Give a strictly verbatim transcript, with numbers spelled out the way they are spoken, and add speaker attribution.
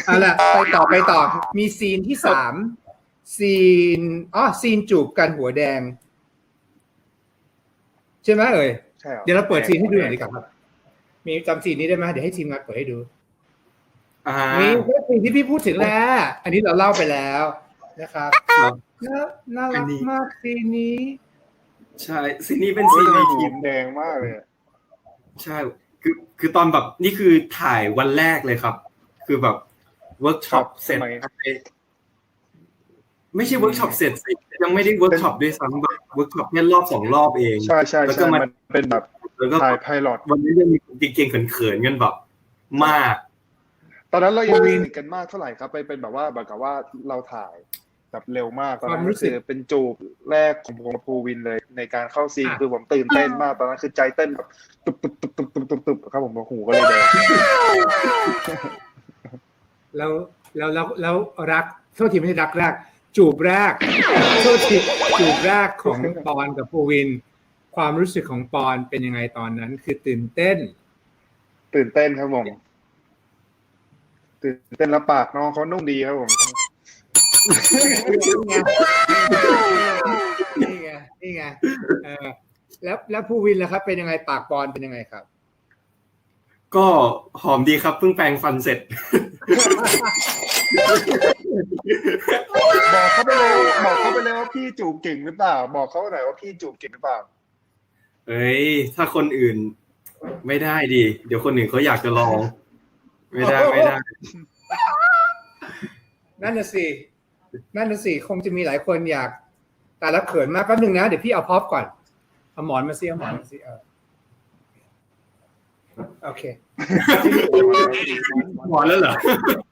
Speaker 1: เอาล่ะไปต่อไปต่อมีซีนที่สามซีนอ๋อซีนจูบกันหัวแดงใช่ไหมเอ่ย
Speaker 2: ใช่เหรอ
Speaker 1: เดี๋ยวเราเปิดซีนให้ดูหน่อยดีกว่าครับมีจำซีนนี้ได้ไหมเดี๋ยวให้ทีมงานเปิดให้ดูนี่คือซีนที่พี่พูดถึงแล้วอันนี้เราเล่าไปแล้วนะครับน่ารักมากซีนนี้
Speaker 3: ใช่ซีนนี้เป็นซีนในทีม
Speaker 2: แดงมากเลย
Speaker 3: ใช่คือคือตอนแบบนี่คือถ่ายวันแรกเลยครับคือแบบเวิร์กช็อปเสร็จไม่ใช่เวิร์กช็อปเสร็จสิยังไม่ได้เวิร์กช็อปด้วยซ้ำแบบเวิร์กช็อปแค่รอบสองรอบเอง
Speaker 2: ใช่ใช่แล้วก็มันเป็นแบบถ่ายไพลอต
Speaker 3: วันนี้ยังมีเก่งๆเขินๆกันแบบมาก
Speaker 2: ตอนนั้นเรายังไม่สนิทกันมากเท่าไหร่ครับไปเป็นแบบว่าแบบกับว่าเราถ่ายแบบเร็วมากตอนนั้นคือเป็นจูบแรกของผมกับภูวินเลยในการเข้าซีนคือผมตื่นเต้นมากตอนนั้นคือใจเต้นแบบตุบตุบตุบตุบตุบตุบตุบครับผมหูก็เลยแดง
Speaker 1: แล้วแล้วแล้วแล้วรักโทษทีไม่ใช่รักแรกจูบแรกโทษทีจูบแรกของปอนกับภูวินความรู้สึกของปอนเป็นยังไงตอนนั้นคือตื่นเต้น
Speaker 2: ตื่นเต้นครับผมตื่นเต้นแล้วปากน้องเขานุ่มดีครับผม
Speaker 1: นี่ไงนี่ไงเออแล้วแล้วภูวินล่ะครับเป็นยังไงปากปอนเป็นยังไงครับ
Speaker 3: ก็หอมดีครับเพิ่งแปรงฟันเสร็จ
Speaker 2: บอกเขาไปเลยบอกเขาไปเลยว่าพี่จูบเก่งหรือเปล่าบอกเขาหน่อยว่าพี่จูบเก่งหรือเปล่า
Speaker 3: เอ้ยถ้าคนอื่นไม่ได้ดิเดี๋ยวคนอื่นเขาอยากจะลองไม่ได้ไม่ได้
Speaker 1: นั่นน่ะสินั่นน่ะสิคงจะมีหลายคนอยากแต่ละเขินมากแป๊บนึงนะเดี๋ยวพี่เอาพ็อปก่อนเอาหมอนมาสิเอาหมอนมาสิเออโอเค
Speaker 3: หมอนแล้วเหรอ